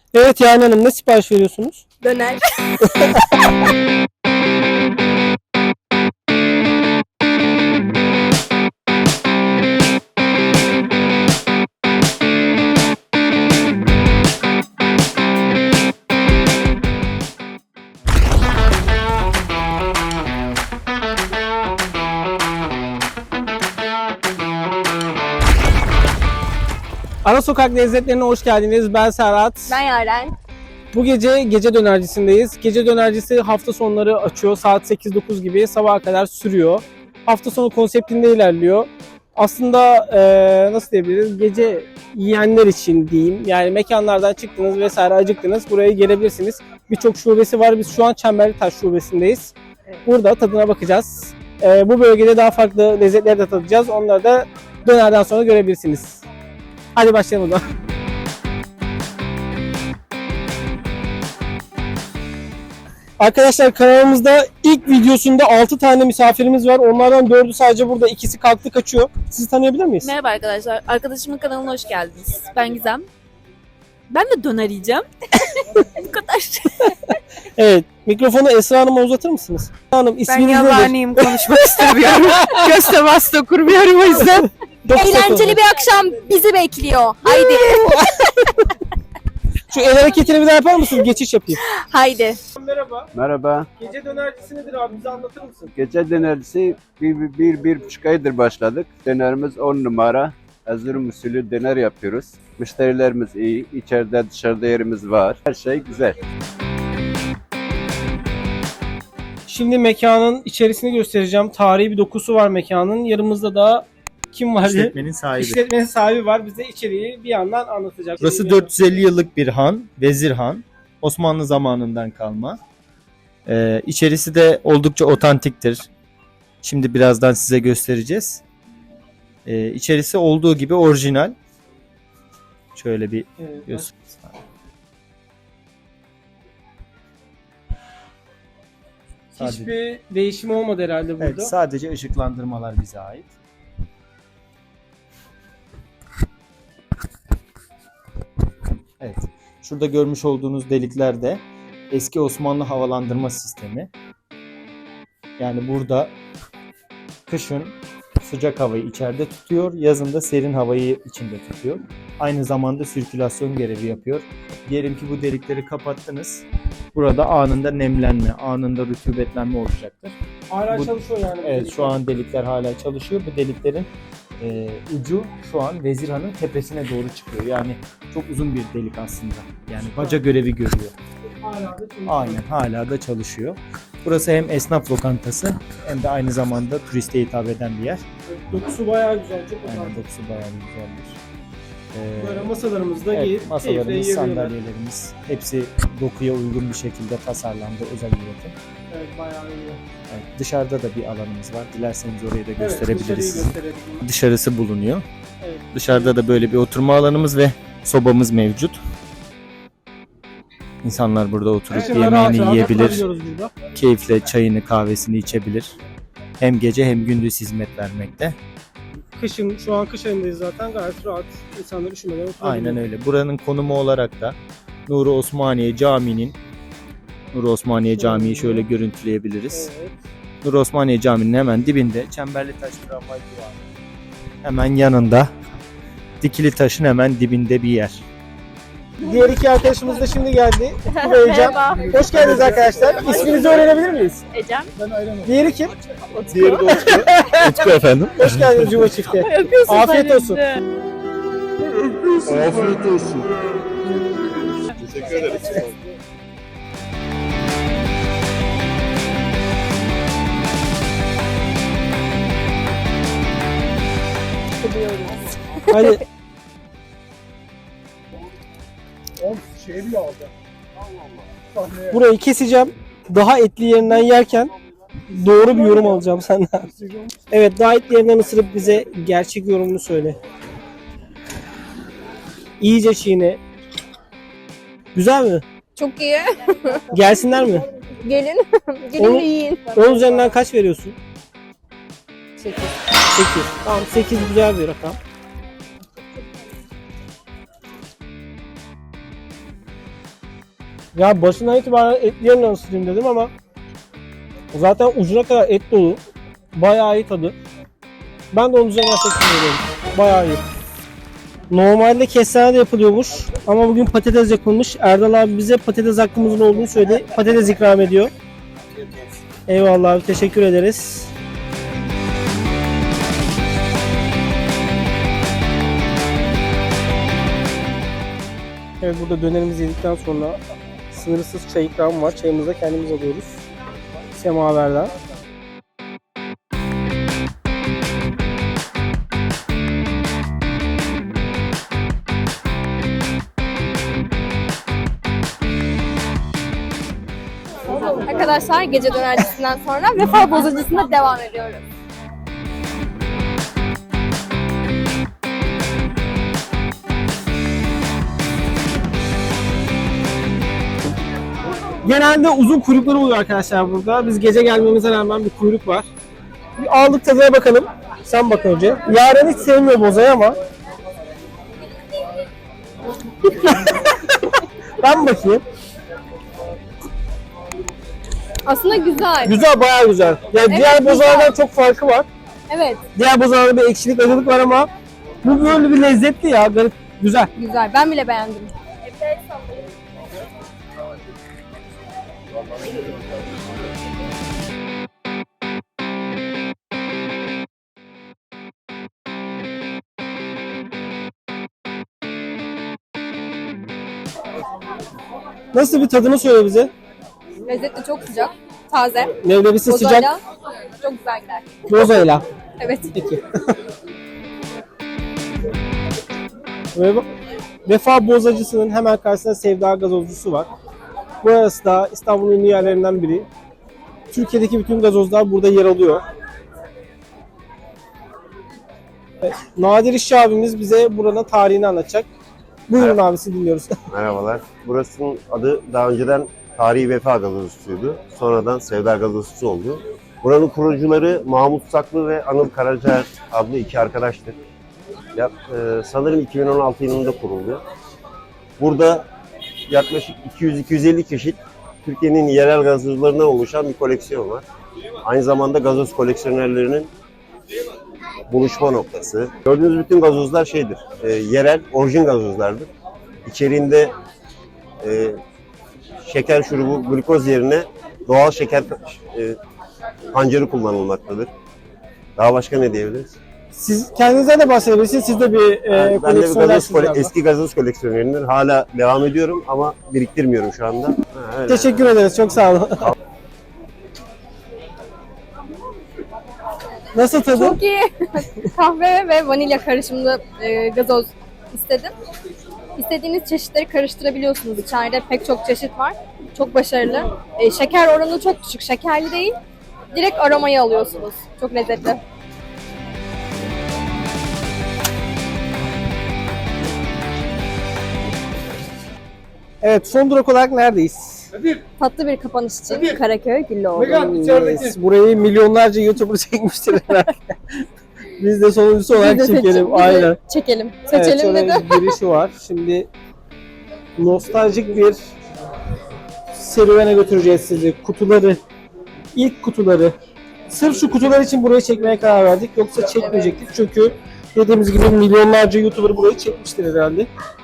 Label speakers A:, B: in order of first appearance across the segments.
A: Evet yani hanım, ne sipariş veriyorsunuz?
B: Döner.
A: Ara Sokak Lezzetlerine hoş geldiniz. Ben Serhat.
B: Ben Yaren.
A: Bu gece dönercisindeyiz. Gece dönercisi hafta sonları açıyor. Saat 8-9 gibi sabaha kadar sürüyor. Hafta sonu konseptinde ilerliyor. Aslında nasıl diyebiliriz? Gece yiyenler için diyeyim. Yani mekanlardan çıktınız vesaire acıktınız. Buraya gelebilirsiniz. Birçok şubesi var. Biz şu an Çemberlitaş şubesindeyiz. Burada tadına bakacağız. Bu bölgede daha farklı lezzetleri de tadacağız. Onları da dönerden sonra görebilirsiniz. Hadi başlayalım o zaman. Arkadaşlar kanalımızda ilk videosunda 6 tane misafirimiz var. Onlardan 4'ü sadece burada, ikisi kalktı kaçıyor. Sizi tanıyabilir miyiz?
B: Merhaba arkadaşlar. Arkadaşımın kanalına hoş geldiniz. Ben Gizem. Ben de döner yiyeceğim. Bu kadar.
A: Evet. Mikrofonu Esra Hanım'a uzatır mısınız? Esra Hanım,
C: Ben
A: isminiz nedir?
C: yalanıyım, konuşmak istemiyorum. Göz teması da kurmuyorum o yüzden.
B: Eğlenceli bir akşam bizi bekliyor. Haydi.
A: Şu el hareketini bir daha yapar mısınız? Geçiş yapayım.
B: Haydi.
A: Merhaba.
D: Merhaba.
A: Gece dönercisi nedir abi? Bize anlatır mısın?
D: Gece dönercisi bir buçuk aydır başladık. Dönerimiz 10 numara. Erzurum usulü döner yapıyoruz. Müşterilerimiz iyi. İçeride dışarıda yerimiz var. Her şey güzel.
A: Şimdi mekanın içerisini göstereceğim. Tarihi bir dokusu var mekanın. Yanımızda da kim var?
E: İşletmenin sahibi.
A: İşletmenin sahibi var. Bize içeriği bir yandan anlatacak.
E: Burası 450 yıllık bir han, Vezir Han. Osmanlı zamanından kalma. İçerisi de oldukça otantiktir. Şimdi birazdan size göstereceğiz. İçerisi olduğu gibi orijinal. Şöyle bir
A: Evet,
E: göster.
A: hiçbir değişim olmadı herhalde burada.
E: Evet, sadece ışıklandırmalar bize ait. Evet. Şurada görmüş olduğunuz delikler de eski Osmanlı havalandırma sistemi. Yani burada kışın sıcak havayı içeride tutuyor, yazın da serin havayı içinde tutuyor. Aynı zamanda sirkülasyon görevi yapıyor. Diyelim ki bu delikleri kapattınız. Burada anında nemlenme, anında rutubetlenme olacaktır.
A: Hala
E: Bu-
A: çalışıyor yani.
E: Evet, şu an delikler hala çalışıyor. Bu deliklerin ucu şu an Vezir Han'ın tepesine doğru çıkıyor. Yani çok uzun bir delik aslında. Yani baca görevi görüyor.
A: Hala da çalışıyor.
E: Aynen, hala da çalışıyor. Burası hem esnaf lokantası hem de aynı zamanda turiste hitap eden bir yer.
A: Dokusu bayağı güzel. Çok
E: Yani
A: önemli.
E: dokusu bayağı güzeldir.
A: Böyle masalarımız da
E: Evet,
A: keyifle
E: masalarımız,
A: yiyebiliyorlar.
E: sandalyelerimiz hepsi dokuya uygun bir şekilde tasarlandı, özel üretim.
A: Evet, bayağı iyi.
E: Evet, dışarıda da bir alanımız var. Dilerseniz orayı da
A: Evet,
E: gösterebiliriz.
A: dışarıyı gösterelim.
E: Dışarısı bulunuyor.
A: Evet.
E: Dışarıda da böyle bir oturma alanımız ve sobamız mevcut. İnsanlar burada oturup
A: Rahat
E: yemeğini
A: rahat
E: yiyebilir,
A: oturabiliyoruz burada.
E: keyifle çayını kahvesini içebilir. Hem gece hem gündüz hizmet vermekte.
A: Kışın, şu an kış ayındayız zaten, gayet rahat. İnsanlar üşümeden oturabiliyor.
E: Aynen öyle. Buranın konumu olarak da Nuri Osmaniye Camii'nin Nuri Osmaniye Camii'yi şöyle görüntüleyebiliriz.
A: Evet.
E: Nuri Osmaniye Camii'nin hemen dibinde Çemberlitaş tramvay durağı. Hemen yanında Dikili Taş'ın hemen dibinde bir yer.
A: Diğer iki arkadaşımız da şimdi geldi. Bu ve Ecem. Hoş geldiniz arkadaşlar. İsminizi öğrenebilir miyiz?
B: Ecem.
A: Diğeri kim?
E: Diğeri de Utku. Utku efendim.
A: Hoş geldiniz Cuma Çift'e.
B: Yapıyorsun
A: Afiyet olsun.
E: Afiyet olsun.
D: Teşekkür ederiz.
A: Hani burayı keseceğim. Daha etli yerinden yerken doğru bir yorum alacağım senden. Evet, daha etli yerinden ısırıp bize gerçek yorumunu söyle. İyice çiğne. Güzel mi?
B: Çok iyi.
A: Gelsinler mi?
B: Gelin. Gelin
A: Onu-
B: yiyin.
A: 10 üzerinden kaç veriyorsun?
B: 8.
A: 8. Tamam, 8 güzel bir rakam. Ya başından itibaren etli yanından ısıtayım dedim ama zaten ucuna kadar et dolu. Bayağı iyi tadı. Ben de onun üzerinden 8 veriyorum. Bayağı iyi. Normalde kestane de yapılıyormuş ama bugün patates yapılmış. Erdal abi bize patates hakkımızın olduğunu söyledi. Patates ikram ediyor. Eyvallah abi, teşekkür ederiz. Evet, burada dönerimizi yedikten sonra sınırsız çay ikramı var. Çayımızı da kendimiz alıyoruz. Semaverden.
F: Arkadaşlar gece dönercisinden sonra vefa bozacısına devam ediyoruz.
A: Genelde uzun kuyrukları oluyor arkadaşlar burada. Biz gece gelmemize rağmen bir kuyruk var. Bir aldık, tadına bakalım. Sen bak önce. Yaren hiç sevmiyor bozayı ama. Ben bakayım.
F: Aslında güzel.
A: Güzel, bayağı güzel. Yani
F: Evet,
A: diğer
F: güzel.
A: bozalardan çok farkı var.
F: Evet,
A: Diğer bozalarda bir ekşilik, acılık var ama bu böyle bir lezzetli ya. Garip, güzel.
F: güzel. Ben bile beğendim.
A: Nasıl bir tadını söyle bize.
F: Lezzetli, çok sıcak, taze.
A: Leblebisi sıcak,
F: Bozayla çok güzel gider.
A: bozayla.
F: Evet.
A: Peki. Vefa Bozacısı'nın hemen karşısında Sevda Gazozcusu var. Burası da İstanbul'un ünlü yerlerinden biri. Türkiye'deki bütün gazozlar burada yer alıyor. Evet, Nadir İşçi abimiz bize buranın tarihini anlatacak. Buyurun abi, sizi dinliyoruz.
G: Merhabalar. Burasının adı daha önceden Tarihi Vefa Gazozcusu'ydu. Sonradan Sevda Gazozcusu oldu. Buranın kurucuları Mahmut Saklı ve Anıl Karaca adlı iki arkadaştır. Sanırım 2016 yılında kuruldu. Burada yaklaşık 200-250 çeşit Türkiye'nin yerel gazozlarından oluşan bir koleksiyon var. Aynı zamanda gazoz koleksiyonerlerinin buluşma noktası. Gördüğünüz bütün gazozlar yerel, orijin gazozlardır. İçeriğinde şeker şurubu, glukoz yerine doğal şeker pancarı kullanılmaktadır. Daha başka ne diyebiliriz?
A: Siz kendinizden de bahsedebilirsiniz. Siz de bir
G: Ben de bir
A: koleksiyonersiniz galiba.
G: eski gazoz koleksiyonerimdir. Hala devam ediyorum ama biriktirmiyorum şu anda. Öyle.
A: Teşekkür ederiz. Çok sağ olun. Nasıl tadı?
F: Çok iyi. Kahve ve vanilya karışımlı gazoz istedim. İstediğiniz çeşitleri karıştırabiliyorsunuz. İçeride pek çok çeşit var. Çok başarılı. Şeker oranı çok düşük. Şekerli değil. Direkt aromayı alıyorsunuz. Çok lezzetli.
A: Evet, son durak olarak neredeyiz?
F: Tatlı bir kapanış için Karaköy Güllüoğlu.
A: Yes, burayı milyonlarca YouTuber çekmiştir herhalde. Biz de sonuncusu olarak
F: Biz de
A: çekelim.
F: biz de
A: Aynen.
F: Çekelim.
A: Evet,
F: Seçelim
A: şöyle
F: dedi.
A: bir girişi var. Şimdi nostaljik bir serüvene götüreceğiz sizi. Kutuları, ilk kutuları. Sırf şu kutular için burayı çekmeye karar verdik. Yoksa çekmeyecektik. Çünkü dediğimiz gibi milyonlarca YouTuber burayı çekmiştir herhalde.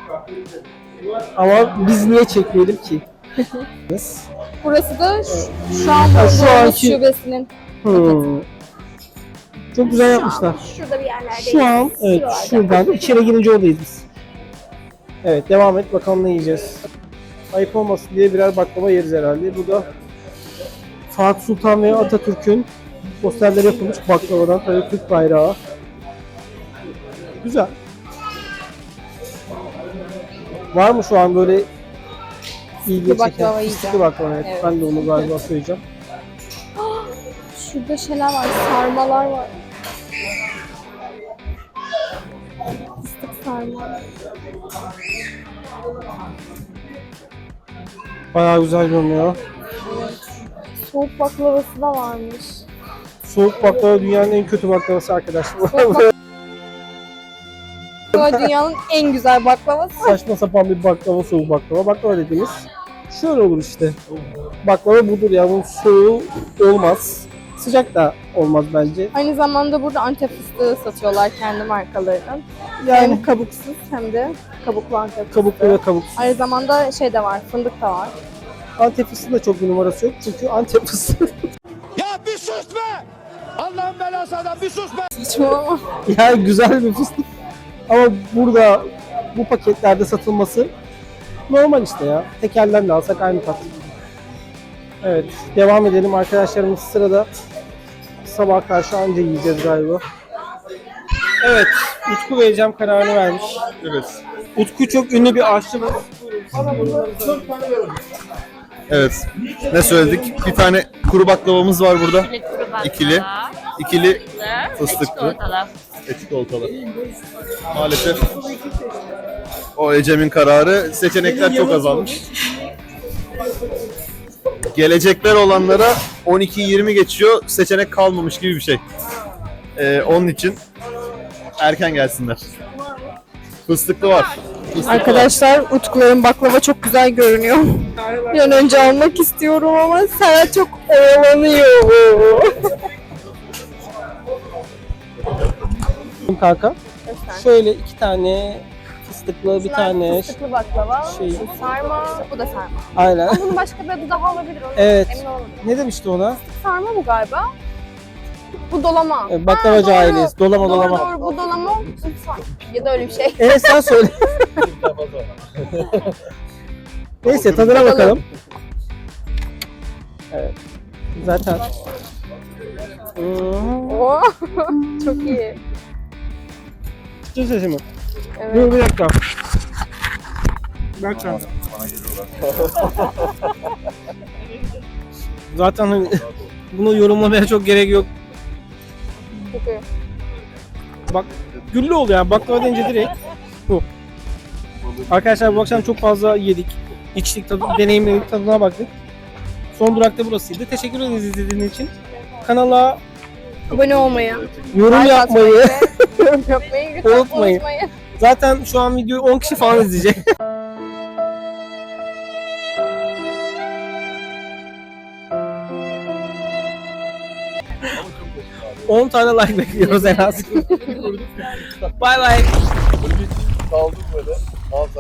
A: Ama biz niye çekmeyelim ki?
F: Burası da şu an
A: Ha, şu
F: bulunduğumuz
A: anki-
F: şubesinin.
A: Hmm. Çok güzel yapmışlar.
F: Şurada bir yerlerde.
A: Şu an evet şuradan içeri girince oradayız biz. Evet, devam et bakalım ne yiyeceğiz. Ayıp olmasın diye birer baklava yeriz herhalde. Bu da Fatih Sultan ve Atatürk'ün posterleri yapılmış baklavadan, tabii Türk bayrağı. Güzel. Var mı şu an böyle ilgi
F: baklava
A: çeken?
F: yiyeceğim.
A: Fıstıklı baklava, evet.
F: Evet.
A: Ben de onu galiba söyleyeceğim.
F: Şurada şeyler var, sarmalar var. Fıstık sarma.
A: Bayağı güzel görünüyor.
F: Soğuk baklavası da varmış.
A: Soğuk baklava dünyanın en kötü baklavası arkadaşlar.
F: Dünyanın en güzel baklavası.
A: Saçma sapan bir baklava, soğuk baklava. Baklava dediğimiz Şöyle olur işte. Baklava budur ya. Bunun soğuğu olmaz. Sıcak da olmaz bence.
F: Aynı zamanda burada Antep fıstığı satıyorlar kendi markalarından.
A: Yani
F: Hem kabuksuz hem de kabuklu Antep fıstığı.
A: kabuklu ve kabuksuz.
F: Aynı zamanda şey de var, fındık da var.
A: Antep fıstığı da çok bir numarası yok. Çünkü Antep fıstığı
H: Ya bir sus be! Allah'ın belası adam bir sus be!
F: Saçmalama.
A: yani güzel bir fıstık. Ama burada bu paketlerde satılması normal işte ya. Tekelden de alsak aynı tat. Evet, devam edelim. Arkadaşlarımız sırada. Sabah karşı anca yiyeceğiz galiba. Evet, Utku ve Ecem kararını vermiş.
I: Evet.
A: Utku çok ünlü bir aşçımız.
I: Evet. Ne söyledik? Bir tane kuru baklavamız var burada. İkili. İkili fıstıklı. Çikolatalı. Maalesef o Ecem'in kararı. Seçenekler çok azalmış. Gelecekler olanlara 12-20 geçiyor. Seçenek kalmamış gibi bir şey. Onun için erken gelsinler. Fıstıklı var.
F: Arkadaşlar Utkuların baklava çok güzel görünüyor. Bir an önce almak istiyorum ama Serhat çok oyalanıyor.
A: Kanka. Şöyle 2 tane fıstıklı, bir tane
F: Fıstıklı baklava,
A: şey.
F: bu sarma, bu da sarma.
A: Aynen.
F: Ama bunun başka bir adı daha olabilir. Onu
A: Evet.
F: Emin olamadım.
A: Ne demişti ona?
F: Sarma bu galiba. Bu dolama.
A: Baklavacı
F: doğru.
A: ailesi. Dolama
F: Doğru
A: dolama.
F: doğru bu dolama. Ya da öyle bir şey.
A: Evet sen söyle. Neyse tadına bakalım. Evet. Zaten.
F: Oo, çok iyi.
A: Çıktı sesi mi?
F: Evet.
A: Dur bir dakika. Bir dakika. Zaten hani bunu yorumlamaya çok gerek yok.
F: Çok iyi.
A: Bak güllü oluyor yani baklava deyince direkt bu. Arkadaşlar bu akşam çok fazla yedik, içtik, deneyimledik, tadına baktık. Son durakta burasıydı. Teşekkür ederiz izlediğiniz için. Kanala
F: Abone olmayı,
A: yorum
F: like
A: yapmayı
F: atmayı ve yorum yapmayı lütfen
A: Unutmayın.
F: unutmayın.
A: zaten şu an videoyu 10 kişi falan izleyecek. 10 tane like bekliyoruz en az. Bay bay.
I: Kaldım böyle.